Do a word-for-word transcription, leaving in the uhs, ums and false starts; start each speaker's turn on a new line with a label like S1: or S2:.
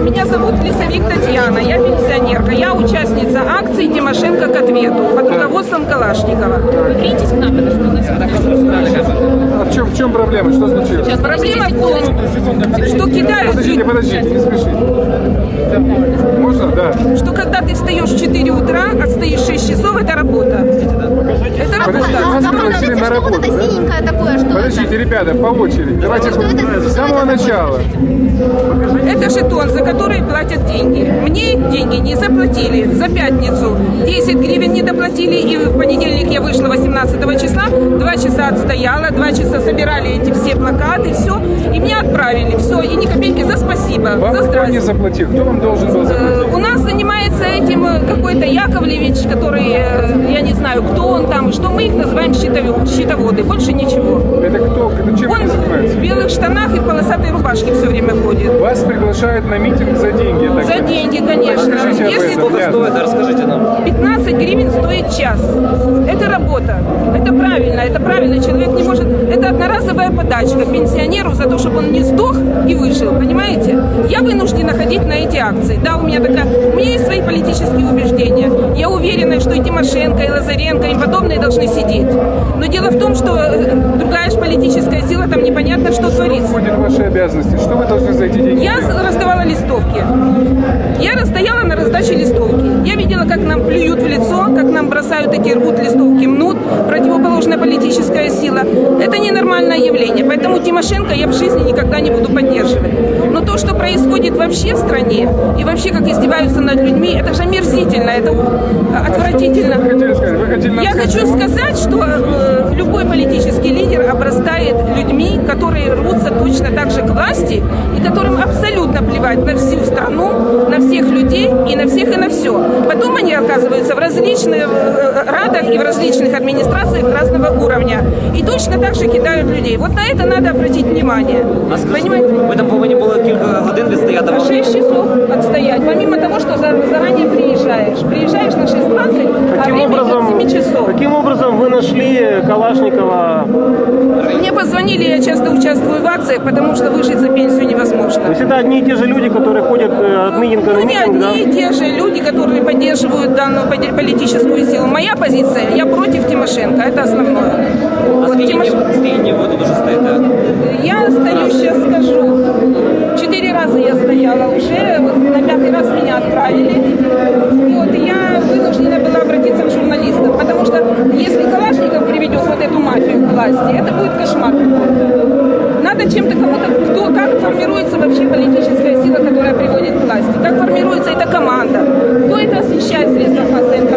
S1: Меня зовут Лисовик Татьяна, я пенсионерка, я участница акции «Тимошенко к ответу» под руководством Калашникова. Вы придите к нам, это что у нас?
S2: А в чем, в чем проблема? Что случилось?
S1: Сейчас проблема в том, что кидают...
S2: Подождите, подождите, не спешите. Можно? Да.
S1: Что когда ты встаешь в четыре утра, отстоишь шесть часов, это работа. Это работа.
S2: А подождите, на работу,
S3: вот это
S2: да?
S3: синенькое такое, что
S2: Подождите, ребята, по очереди. Давайте с самого начала.
S1: Это жетон, за который платят деньги. Мне деньги не заплатили за пятницу. десять гривен не доплатили, и в понедельник я вышла восемнадцатого числа, два часа отстояла, два часа собирали эти все плакаты, все, и меня отправили, все, и ни копейки за спасибо,
S2: Вам
S1: за
S2: кто
S1: здрасте.
S2: не заплатил? Кто вам должен был заплатить?
S1: У нас занимается этим какой-то Яковлевич, который, я не знаю, кто он там, что мы их называем счетоводы, больше ничего.
S2: Это кто? Это чем
S1: Он
S2: он занимается?
S1: в белых штанах и в полосатой рубашке все время ходит.
S2: Вас приглашают на митинг за деньги. Так
S1: За
S2: сказать.
S1: деньги, конечно.
S2: Расскажите об
S1: Если
S2: этом.
S4: Сколько стоит, расскажите нам.
S1: пятнадцать гривен стоит час. Это работа. Это правильно. Это правильно. Человек не может... Это одноразовая подачка пенсионеру за то, чтобы он не сдох и выжил. Понимаете? Я вынуждена ходить на эти акции. Да, у меня такая... У меня есть свои политические убеждения. Я уверена, что и Тимошенко, и Лазаренко, и подобные должны сидеть. Но дело в том, что другая же политическая сила, там непонятно, что творится.
S2: Что входит в ваши обязанности? Что вы должны за эти деньги?
S1: Я раздавала листовки. Я расстояла на раздаче листовки. Я видела, как нам плюют в лицо, как нам бросают эти, рвут листовки, мнут. Противоположная политическая сила. Это ненормальное явление. Поэтому Тимошенко я в жизни никогда не буду поддерживать. Но то, что происходит вообще в стране, и вообще как издеваются над людьми, это же омерзительно, это отвратительно.
S2: А что вы хотели сказать? Вы хотели нам
S1: Я
S2: сказать,
S1: хочу
S2: что-
S1: сказать, что э, любой политический лидер обрастает людьми, которые рвутся точно так же к власти, и которым абсолютно плевать на всю страну, на всех людей и на всех и на все. Потом они оказываются в различных э, радах и в различных администрациях разного уровня. И точно так же кидают людей. Вот на это надо обратить внимание.
S4: А скажіть,
S1: Понимаете?
S4: ви там повинні були кілька годин відстояти.
S1: На шесть часов отстоять. Помимо того, что за- заранее приезжаешь. Приезжаешь на шесть двадцать, а
S5: Каким
S1: время
S5: образом,
S1: до семи часов.
S5: каким образом вы нашли Калашникова?
S1: Мне позвонили, я часто участвую в акциях, потому что выжить за пенсию невозможно.
S5: То есть это одни и те же люди, которые ходят э, от митинга на
S1: Ну, не
S5: митинг, да?
S1: одни и те же люди, которые поддерживают данную поди- политическую силу. Моя позиция, я против Тимошенко, это основное.
S4: А
S1: Вот
S4: скільки
S1: Тимош-
S4: скільки ви тут уже стоїте?
S1: Я стою, сейчас скажу, четыре раза я стояла уже, вот на пятый раз меня отправили. Вот, и я вынуждена была обратиться к журналистам, потому что если Калашников приведет вот эту мафию к власти, это будет кошмар. Надо чем-то кому-то, кто, как формируется вообще политическая сила, которая приводит к власти, как формируется эта команда, кто это освещает в средствах массовой информации.